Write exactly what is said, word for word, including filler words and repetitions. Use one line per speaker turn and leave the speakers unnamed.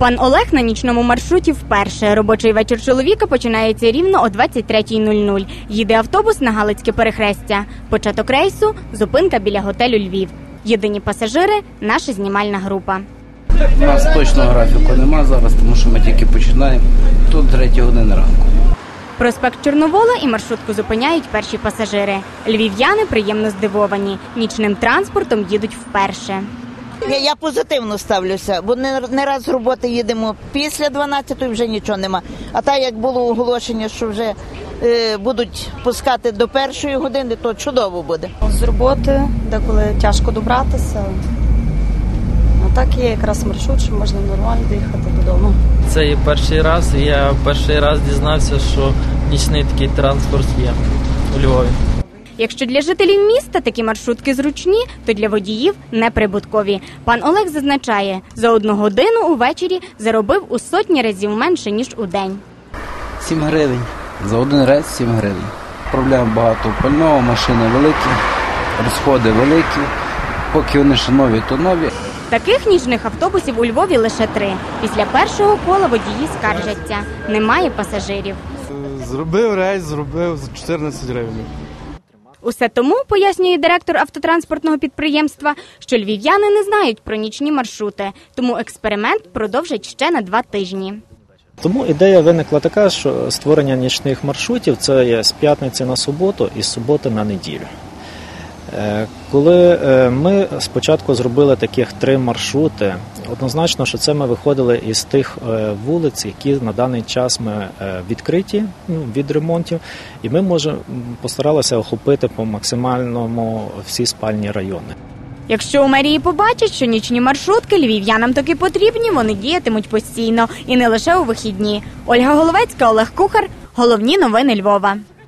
Пан Олег на нічному маршруті вперше. Робочий вечір чоловіка починається рівно о двадцять третя нуль нуль. Їде автобус на Галицьке перехрестя. Початок рейсу – зупинка біля готелю «Львів». Єдині пасажири – наша знімальна група.
У нас точного графіку нема зараз, тому що ми тільки починаємо. Тут третя година ранку.
Проспект Чорновола і маршрутку зупиняють перші пасажири. Львів'яни приємно здивовані. Нічним транспортом їдуть вперше.
Я, я позитивно ставлюся, бо не, не раз з роботи їдемо після дванадцятої, вже нічого нема. А так, як було оголошення, що вже е, будуть пускати до першої години, то чудово буде.
З роботи, деколи тяжко добратися. А так є якраз маршрут, що можна нормально доїхати додому.
Це є перший раз, і я перший раз дізнався, що нічний такий транспорт є у Львові.
Якщо для жителів міста такі маршрутки зручні, то для водіїв неприбуткові. Пан Олег зазначає, за одну годину увечері заробив у сотні разів менше, ніж у день.
сім гривень. За один рейс сім гривень. Проблем багато пального, машини великі, розходи великі. Поки вони ще нові, то нові.
Таких нічних автобусів у Львові лише три. Після першого кола водії скаржаться. Немає пасажирів.
Зробив рейс, зробив за чотирнадцять гривень.
Усе тому, пояснює директор автотранспортного підприємства, що львів'яни не знають про нічні маршрути, тому експеримент продовжать ще на два тижні.
Тому ідея виникла така, що створення нічних маршрутів – це є з п'ятниці на суботу і з суботи на неділю. Коли ми спочатку зробили таких три маршрути, однозначно, що це ми виходили із тих вулиць, які на даний час ми відкриті від ремонтів, і ми може, постаралися охопити по максимальному всі спальні райони.
Якщо у мерії побачать, що нічні маршрутки львів'янам таки потрібні, вони діятимуть постійно і не лише у вихідні. Ольга Головецька, Олег Кухар. Головні новини Львова.